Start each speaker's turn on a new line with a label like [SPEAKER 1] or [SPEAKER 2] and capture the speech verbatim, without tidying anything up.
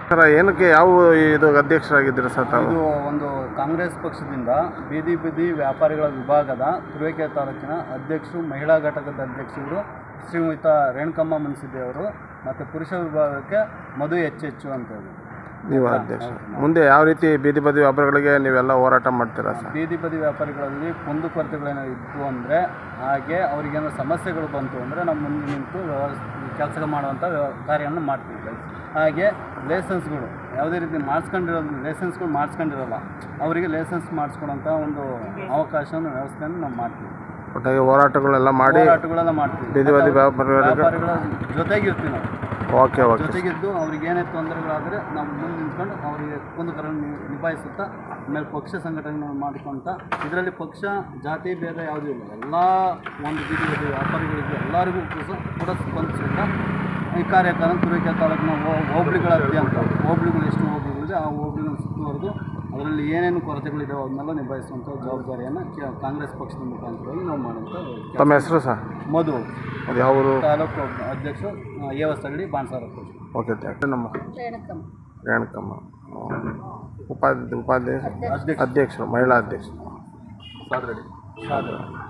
[SPEAKER 1] Sir ಏನಕ್ಕೆ ಯಾವ ಇದು ಅಧ್ಯಕ್ಷರಾಗಿದ್ದೀರಾ ಸರ್ ತಾವು?
[SPEAKER 2] ಇದು ಒಂದು ಕಾಂಗ್ರೆಸ್ ಪಕ್ಷದಿಂದ ಬೀದಿ ಬೀದಿ ವ್ಯಾಪಾರಿಗಳ ವಿಭಾಗದ ತುರುವೇಕೆರೆ ತಾಲೂಕಿನ ಅಧ್ಯಕ್ಷರು, ಮಹಿಳಾ ಘಟಕದ ಅಧ್ಯಕ್ಷರು ಶ್ರೀಯುತ ರೇಣುಕಮ್ಮ ಮುನ್ಸಿದ್ದೇವರು ಮತ್ತು ಪುರುಷ ವಿಭಾಗಕ್ಕೆ ಮಧು ಎಚ್ ಹೆಚ್ಚು ಅಂತ ಹೇಳಿ
[SPEAKER 1] ನೀವು ಅಧ್ಯಕ್ಷ. ಮುಂದೆ ಯಾವ ರೀತಿ ಬೀದಿ ಬದಿ ವ್ಯಾಪಾರಿಗಳಿಗೆ ನೀವೆಲ್ಲ ಹೋರಾಟ ಮಾಡ್ತೀರಾ ಸರ್?
[SPEAKER 2] ಬೀದಿ ಬದಿ ವ್ಯಾಪಾರಿಗಳಲ್ಲಿ ಕುಂದುಕೊರತೆಗಳೇನೋ ಇತ್ತು ಅಂದರೆ, ಹಾಗೆ ಅವರಿಗೇನೋ ಸಮಸ್ಯೆಗಳು ಬಂತು ಅಂದರೆ ನಮ್ಮ ಮುಂದೆ ನಿಂತು ಕೆಲಸ ಮಾಡುವಂಥ ಕಾರ್ಯವನ್ನು ಮಾಡ್ತೀವಿ. ಹಾಗೆ ಲೈಸೆನ್ಸ್ಗಳು ಯಾವುದೇ ರೀತಿ ಮಾಡಿಸ್ಕೊಂಡಿರೋದು, ಲೈಸೆನ್ಸ್ಗಳು ಮಾಡಿಸ್ಕೊಂಡಿರೋಲ್ಲ ಅವರಿಗೆ ಲೈಸೆನ್ಸ್ ಮಾಡಿಸ್ಕೊಡೋಂಥ ಒಂದು ಅವಕಾಶವನ್ನು ವ್ಯವಸ್ಥೆಯನ್ನು ನಾವು ಮಾಡ್ತೀವಿ.
[SPEAKER 1] ಒಟ್ಟಾಗಿ ಹೋರಾಟಗಳೆಲ್ಲ ಮಾಡಿ
[SPEAKER 2] ಹೋರಾಟಗಳೆಲ್ಲ ಮಾಡ್ತೀವಿ.
[SPEAKER 1] ಬೀದಿ ಬದಿ
[SPEAKER 2] ವ್ಯಾಪಾರಿಗಳ ಜೊತೆಗಿರ್ತೀವಿ ನಾವು.
[SPEAKER 1] ಓಕೆ ಓಕೆ
[SPEAKER 2] ಜೊತೆಗಿದ್ದು ಅವ್ರಿಗೆ ಏನೇ ತೊಂದರೆಗಳಾದರೆ ನಾವು ಮುಂದೆ ನಿಂತ್ಕೊಂಡು ಅವರಿಗೆ ಕುಂದುಕೊರತೆಗಳನ್ನು ನಿಭಾಯಿಸುತ್ತಾ ಆಮೇಲೆ ಪಕ್ಷ ಸಂಘಟನೆ ಮಾಡಿಕೊಂತ, ಇದರಲ್ಲಿ ಪಕ್ಷ ಜಾತಿ ಭೇದ ಯಾವುದೂ ಇಲ್ಲ. ಎಲ್ಲ ಒಂದು ಬೀದಿ ಬದಿ ವ್ಯಾಪಾರಿಗಳಿಗೆ ಎಲ್ಲರಿಗೂ ಕೂಡ ಸ್ಪಂದಿಸುತ್ತಾ ಈ ಕಾರ್ಯಕ್ರಮ ತುರುವೇಕೆರೆ ತಾಲೂಕಿನ ಹೋಬಳಿಗಳ ಅತ್ಯಂತ ಹೋಬಳಿಗಳು ಎಷ್ಟು ಹೋಬಳಿಗಳಿದೆ ಆ ಹೋಬಳಿಗಳನ್ನು ಸುತ್ತುವರೆದು ಅದರಲ್ಲಿ ಏನೇನು ಕೊರತೆಗಳಿದ್ದಾವೆ ಅದನ್ನೆಲ್ಲ ನಿಭಾಯಿಸುವಂಥ ಜವಾಬ್ದಾರಿಯನ್ನು ಕಾಂಗ್ರೆಸ್ ಪಕ್ಷದ ಮುಖಾಂತರವಾಗಿ ನಾವು ಮಾಡುವಂಥ.
[SPEAKER 1] ತಮ್ಮ ಹೆಸರು ಸರ್?
[SPEAKER 2] ಮಧು,
[SPEAKER 1] ಅದು ಯಾವ ಊರು?
[SPEAKER 2] ತಾಲೂಕು ಅಧ್ಯಕ್ಷರು, ಏವಸ್ತಗಡಿ, ಬಾಣಸಾರ.
[SPEAKER 1] Okay thank you. ನಮ್ಮ ರೇಣುಕಮ್ಮ ಉಪಾಧ್ಯ ಉಪಾಧ್ಯಕ್ಷ ಅಧ್ಯಕ್ಷರು, ಮಹಿಳಾ ಅಧ್ಯಕ್ಷರು.
[SPEAKER 2] ಸಾದ್ರಡಿ ಸಾದ್ರ